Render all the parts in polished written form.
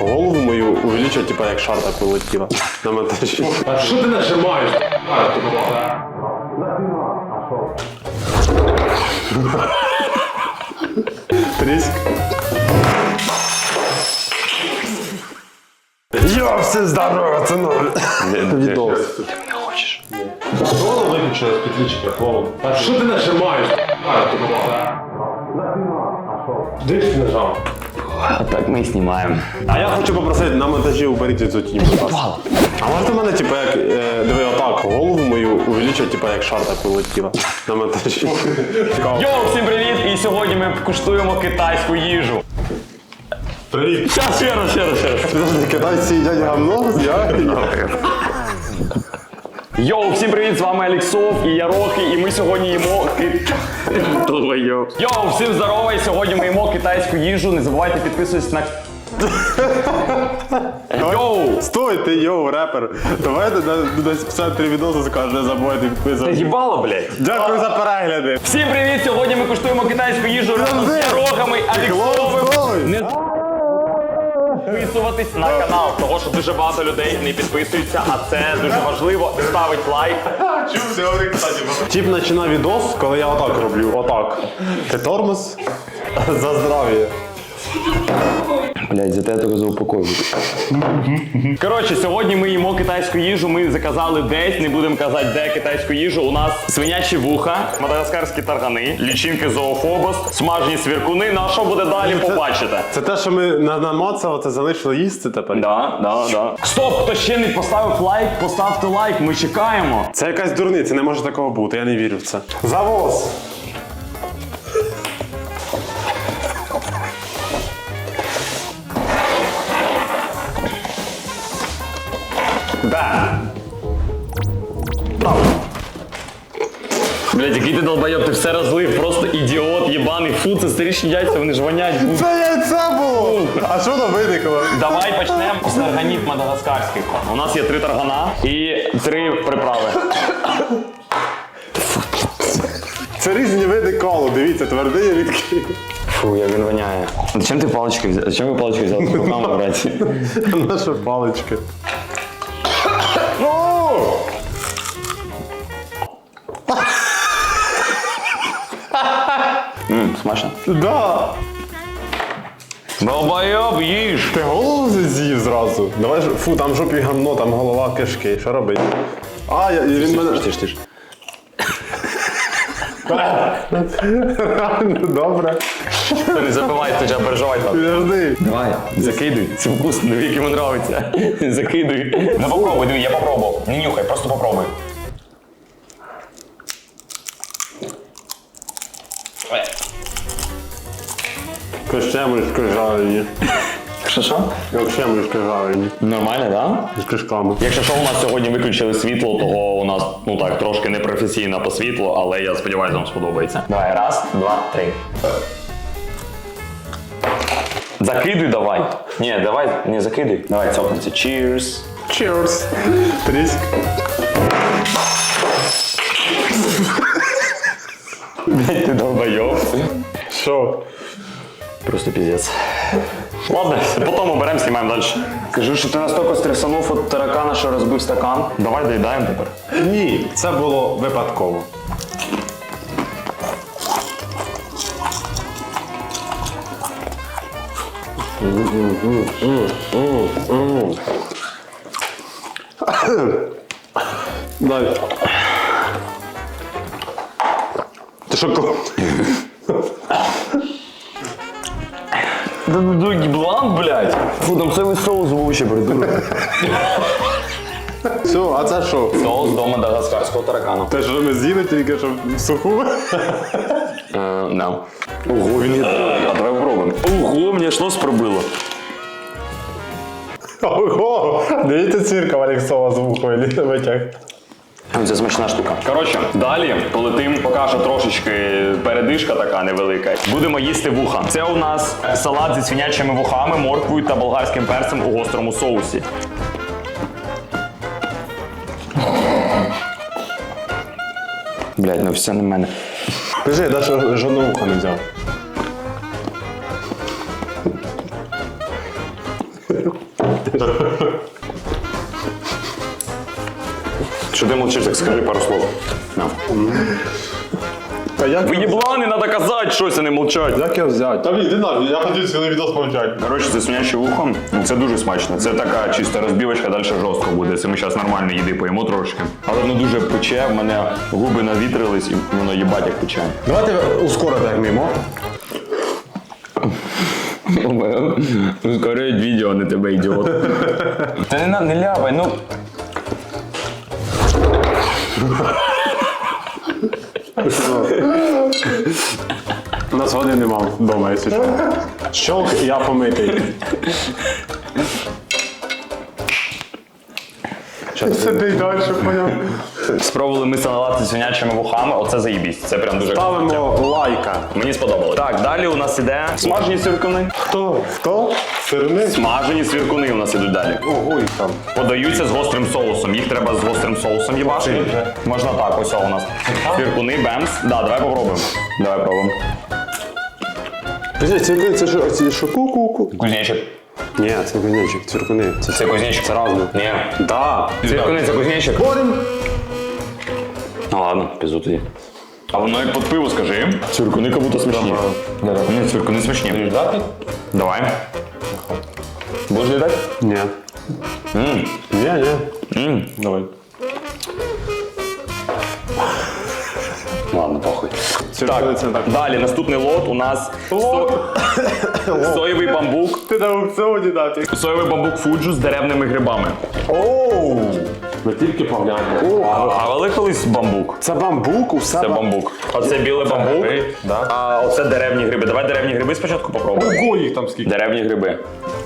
голову мою увеличить, типа як шар так вилетіла на монтажі. А що ти нажимаєш? Тріск. Йо, все здорово, це ноль. Відос. Воно виключило з підключення голову. А що ти нажимаєш? Де ж ти нажав? А так ми і знімаємо. А я хочу попросити на монтажі уберіть цю тінь, будь ласка. А можете мене, типа, як, диви, отак, голову мою увеличить, типа, як шар так вилетіла на монтажі. Йоу, всім привіт! І сьогодні ми куштуємо китайську їжу. Привіт. Щас, ще раз. Подожди, китайці їдять гамно? Йоу, всім привіт, з вами Алексов і Ярохи, і ми сьогодні їмо Йоу, всім здорово, і сьогодні ми їмо китайську їжу. Не забувайте підписуватись на... Йоу! Стой, ти йоу, репер. Давайте десь в центрі відосу скажу, не забувайте підписуватися. Їбало, блядь. Дякую за перегляди. Всім привіт! Сьогодні ми куштуємо китайську їжу разом з Ярохами, Алексовим. Не підписуватись на канал, того що дуже багато людей не підписуються, а це дуже важливо. Ставить лайк. Тіп починав відос, коли я отак роблю. Отак. Ти тормоз за здрав'я. Блять, за те я заупокоюю. Коротше, сьогодні ми їмо китайську їжу, ми заказали десь, не будемо казати де китайську їжу. У нас свинячі вуха, мадагаскарські таргани, лічинки зоофобос, смажені свіркуни. Ну а що буде далі, побачите. Це те, що ми намацали, це залишили їсти тепер? Да. Стоп, хто ще не поставив лайк, поставте лайк, ми чекаємо. Це якась дурниця, не може такого бути, я не вірю в це. Завоз! Да. Блять, який ти долбойоб, ти все розлив, просто ідіот, єбаний. Фу, це старішні яйця, вони ж вонять. Це яйце було! А що воно виникло? Давай почнемо з тарганів мадагаскарських. У нас є 3 таргана і 3 приправи. Це різні види колу, дивіться, твердий і рідкий. Фу, як він воняє. Зачем ти палички взяв? Зачем ви палички взяли з руками брати? Наша паличка. Смачно? Да! Долбойоб, їж! Ти голову з'їв зразу. Давай, фу, там в жопі гамно, там голова кишки. Що робить? А, він мене... Тиш. Добре. Не забивай, ти ж переживай там. Підожди. Давай, закидуй. Це вкусно, диви, як йому нравиться. Закидуй. Ну попробуй, диви, я попробував. Не нюхай, просто попробуй. Кощемришки жарені. Що? Кощемришки жарені. Нормально, да? З кишками. Якщо що, у нас сьогодні виключили світло, того у нас, ну так, трошки непрофесійно по світлу, але я сподіваюся, вам сподобається. Давай, 1, 2, 3. Закидуй давай. Ні, давай, не закидуй. Давай, цокнемося. Cheers. Cheers. Тріск. Блять, ти долбойоб. Що? Просто пиздец. Ладно, потім оберемо, знімаємо далі. Кажу, що ти настільки стресанув від таракана, що розбив стакан. Давай доїдаємо тепер. Ні, це було випадково. Дай. Ти що? Бланк, блядь. Фу, там цілий соус був ще придурок. Все, а це що? Соус до мадагаскарського таракана. Те, що ми з'їли тільки що в суху? Да. Ого, він є. А давай попробуємо. Ого, мені аж нос пробило. Ого! Дивіться цирка Алексова з вухою витяг. Це смачна штука. Коротше, далі полетим, покажу трошечки передишка така невелика. Будемо їсти вуха. Це у нас салат зі свинячими вухами, морквою та болгарським перцем у гострому соусі. Блядь, ну все на мене. Скажи, да, що жодного вуха не взяв. Що ти мовчиш, так скажи пару слов. На. Та як, Ви єблани, треба казати щось, а не мовчать. як я взяти? Та блін, іди нафіг, я хотів цілий відос помовчати. Коротше, це свиняче вухо. Це дуже смачно. Це така чиста розбівочка, далі жорстко буде. Це ми зараз нормально їди поїмо трошки. Але воно дуже пече, в мене губи навітрились і воно їбать як пече. Давайте ускорити як мимо. Ускорюють відео, а не тебе, ідіот. Та не ляпай, ну. У нас води нема вдома, якщо що. Щолк, я помитий. Сиди далі, поняв. Спробували ми салати з свинячими вухами, оце заїбісь. Це прям дуже круто. Ставимо лайка. Мені сподобалось. Так, далі у нас іде смажені свіркуни. Хто? Хто? Сирни? Смажені свіркуни у нас ідуть далі. Ого, їх там. Подаються з гострим соусом. Їх треба з гострим соусом їбати. Можна так, ось у нас. Свіркуни, бемс. Да, давай попробуємо. Давай пробуємо. Це що ку-ку-ку? Кузнечик. Ні, це кузнечик, цвіркуни. Це кузнечик. Це разне. Ні. Да. Свіркуни це кузнечик. Борем. Ну ладно, пізду тоді. А воно як під пиво, скажи. Цвіркуни як будто смачні. Ні, цвіркуни смачні. Давай. Будеш їдати? Ні. Ні. Давай. Ладно, похуй. Цвіркуни це так. Далі, наступний лот у нас соєвий бамбук. Ти на аукціоні дати. Соєвий бамбук фуджу з деревними грибами. Оу. Ми тільки поглянемо. А вели колись бамбук? Це бамбук, усе. Це бамбук. Оце білий бамбук, Да. а оце деревні гриби. Давай деревні гриби спочатку попробуємо. Ого, їх там скільки. Деревні гриби.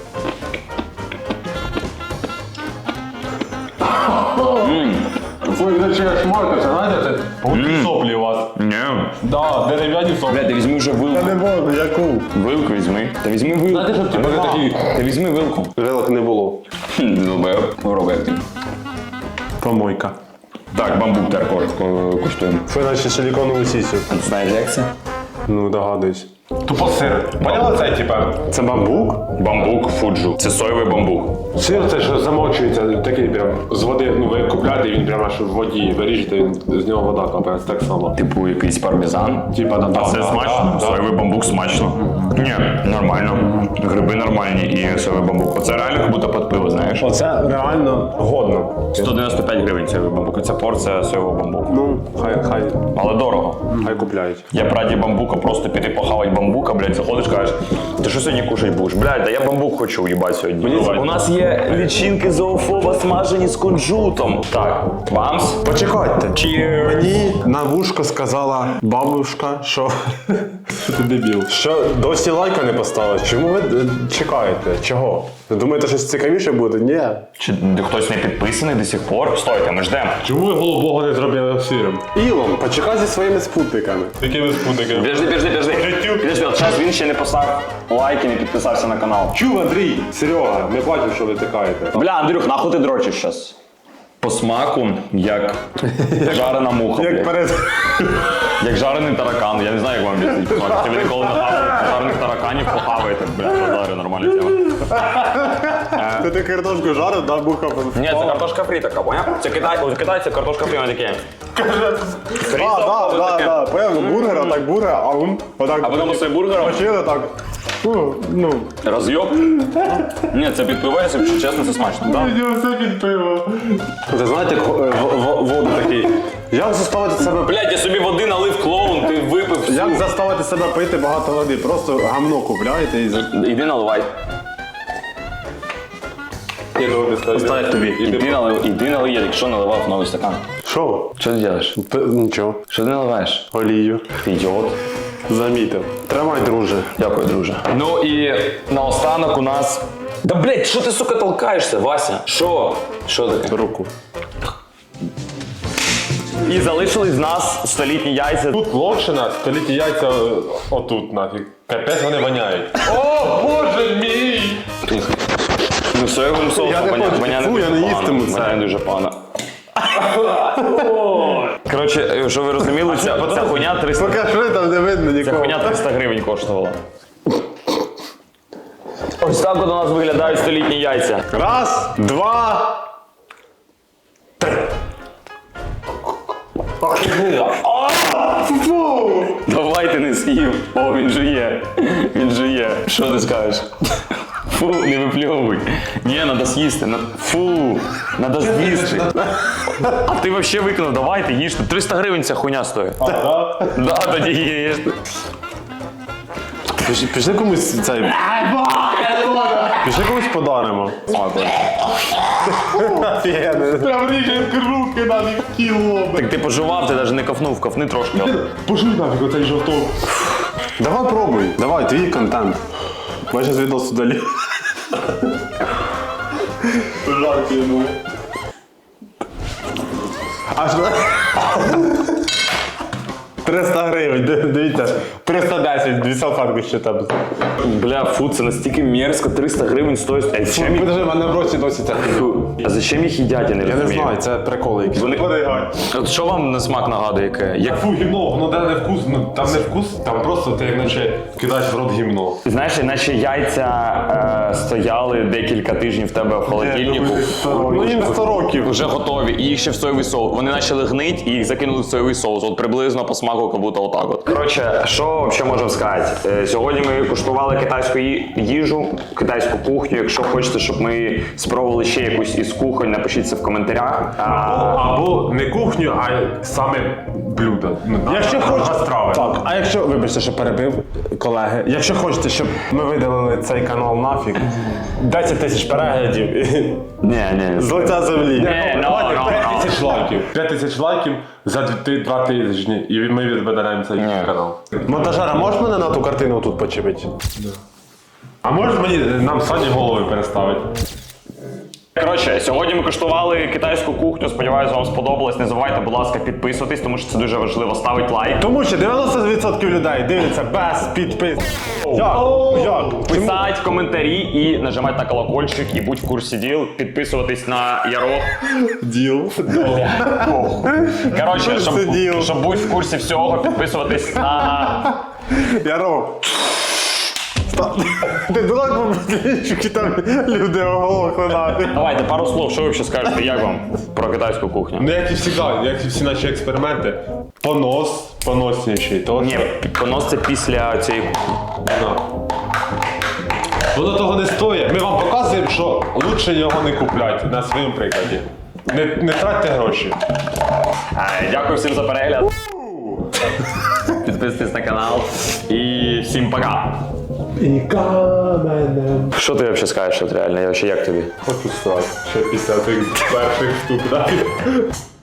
Ой, ви ще шмаркаться, знаєте, це гудкі соплі у вас. Ні. Да, дерев'яні соплі. Бля, ти візьми вже вилку. Не можна, яку? Вилку візьми. Та візьми вилку. Знаєте, щоб ті були такі. Та візьми вилку. Вилок не було. Попробуй як ти. Помойка. Так, бамбук тепер куштуємо. Це наче силіконову сісю. Знаєш, як це? Ну, догадуюсь. Тупо сир. Поняла це, типа? Це бамбук? Бамбук фуджу. Це соєвий бамбук. Сир це ж замочується, такий прям з води, ну ви купляєте, він прямо аж в воді виріжете, він, з нього вода капає, це так само. Типу якийсь пармезан. Типа, да, А це смачно? Соєвий бамбук смачно. Ні, нормально. Гриби нормальні і соєвий бамбук. Оце реально як будто під пиво, знаєш? Оце реально годно. 195 гривень соєвий бамбук. Це порція соєвого бамбуку. Ну, хай Але дорого. купляють. Я б раді бамбука, просто піти похавати бамбука, блядь, заходиш, кажеш, ти що сьогодні кушать будеш? Блядь, да я бамбук хочу їбать сьогодні. У нас є лічинки зоофоба смажені з кунжутом. Так, бамс. Почекайте. Cheers. Мені на вушко сказала бабушка, що Ти дебіл. що досі лайка не поставили. Чому ви чекаєте? Чого? Ви думаєте, щось цікавіше буде? Ні. Чи хтось не підписаний до сих пор? Стойте, ми ждемо. Чому ви голубого не зробили сиром? Ілон, почекай зі своїми спутниками. Якими спутниками? Підожди, от зараз він ще не поставив лайк і не підписався на канал. Чув, Андрій, Серега, не бачив, що ви тикаєте. Бля, Андрюх, нахуй ти дрочиш щас? По смаку, як жарена муха, блядь. Як жарений таракан, я не знаю, як вам об'яснити. Якщо ви ніколи не хавали жарених тараканів, похаваєте, блядь, роздарю, нормальна тема. Ти картошку жарив, да, буха. Ні, це картошка фрі така, поняв? Це китайці картошка фрі, вони такі. Фрі, Да. Поняв, бургер, отак бургер, а він отак. А потім оцей бургер Почили так. Ну. роз'єб. Ні, це підпивається, якщо чесно, це смачно. Да? Все під пиво. Це знаєте, як воду такий. Як заставити себе Блядь, я собі води налив клоун, ти випив всю. Як заставити себе пити багато води? Просто гамно купляєте і Іди наливай. Я думаю, не скажу. ставить тобі. Іди налий, я якщо наливав новий стакан. Що? Що ти робиш? Нічого. Що ти наливаєш? Олію. Ти ідіот. Замітив. Тримай, друже. Дякую, друже. Ну і наостанок у нас. Да блядь, що ти, сука, толкаєшся, Вася? Що? Що таке? Руку. І залишились з нас столітні яйця. Тут локшина, столітні яйця отут нафіг. Капець вони воняють. О, боже мій! Ну, соєвим соусом Я не хочу. Фу, я не їстиму це. Воняє дуже погано. Коротше, щоб ви розуміли, ця хуйня 300... Покажи, там не видно Ця нікого. хуйня 300 гривень коштувала. Ось так от у нас виглядають столітні яйця. Раз, два, три. Давай ти не з'їв. О, він жує. Він жує. Що ти скажеш? Фу, не випльовуй. Ні, треба з'їсти. Фу, треба з'їсти. А ти взагалі викинув, давайте їжте. 300 гривень ця хуйня стоїть. Да, тоді їж. Пішли комусь цей. Пішли комусь подаримо. Прям ріже руки навіть кіло. Так ти пожував, ти навіть не ковнув, ковни трошки. Пошли нафіг оцей жовток. Давай пробуй. Давай, твій контент. Ми зараз відос удалі. Жарки, ну. Аж 300 гривень, дивіться, 310, 2 салфетки ще там. Бля, фу, це настільки мерзко, 300 гривень стоїть. А зачем їх? Подожди, в мене в роті досі це. А зачем їх їдять, я не Я не розумію. знаю, це приколи якісь. От що вам на смак нагадує? Як... Фу, гімно, воно де не вкус, ну там не вкус, там просто ти як наче кидаєш в рот гімно. Знаєш, наче яйця стояли декілька тижнів в тебе в холодильнику. Ну їм 100 років. Вже готові, і їх ще в соєвий соус. Вони почали гнить і їх закинули в соєвий соус. От приблизно по смаку, як будто отак от. Коротше, що взагалі можемо сказати? Сьогодні ми куштували китайську їжу, китайську кухню. Якщо хочете, щоб ми спробували ще якусь із кухонь, напишіть це в коментарях. Або не кухню, а саме блюдо. Якщо хочете, страви. так, а якщо, вибачте, що перебив, колеги, якщо хочете, щоб ми видалили цей канал нафіг, 10 тисяч переглядів, Ні. з лиця землі. Давайте 5 тисяч лайків. 5 тисяч лайків за 2 тижні. І ми відведаємо цей канал. Монтажера, можеш мене на ту картину тут почепити? А можеш нам Сані голови переставити? Коротше, сьогодні ми куштували китайську кухню. Сподіваюсь, вам сподобалось. Не забувайте, будь ласка, підписуватись, тому що це дуже важливо. Ставить лайк. Тому що 90% людей дивляться без підпис. Як? Писать коментарі і нажимати на колокольчик, і будь в курсі діл, підписуватись на Ярох. Діл. Коротше, Діл. щоб бути в курсі всього, підписуватись на... Яро. Ти давай побачиш, там люди оголохли нафіг. Давайте пару слов, що ви взагалі скажете, як вам про китайську кухню? Ну як і завжди, як і всі наші експерименти. Поносніший. Ні, понос це після цієї... Воно того не стоїть. Ми вам показуємо, що краще його не купляти на своєму прикладі. Не тратьте гроші. Дякую всім за перегляд. Підписуйтесь на канал і всім пока. І каменем. Що ти взагалі скажеш, от реально? Я взагалі як тобі? Хочу стати ще після тих перших штук.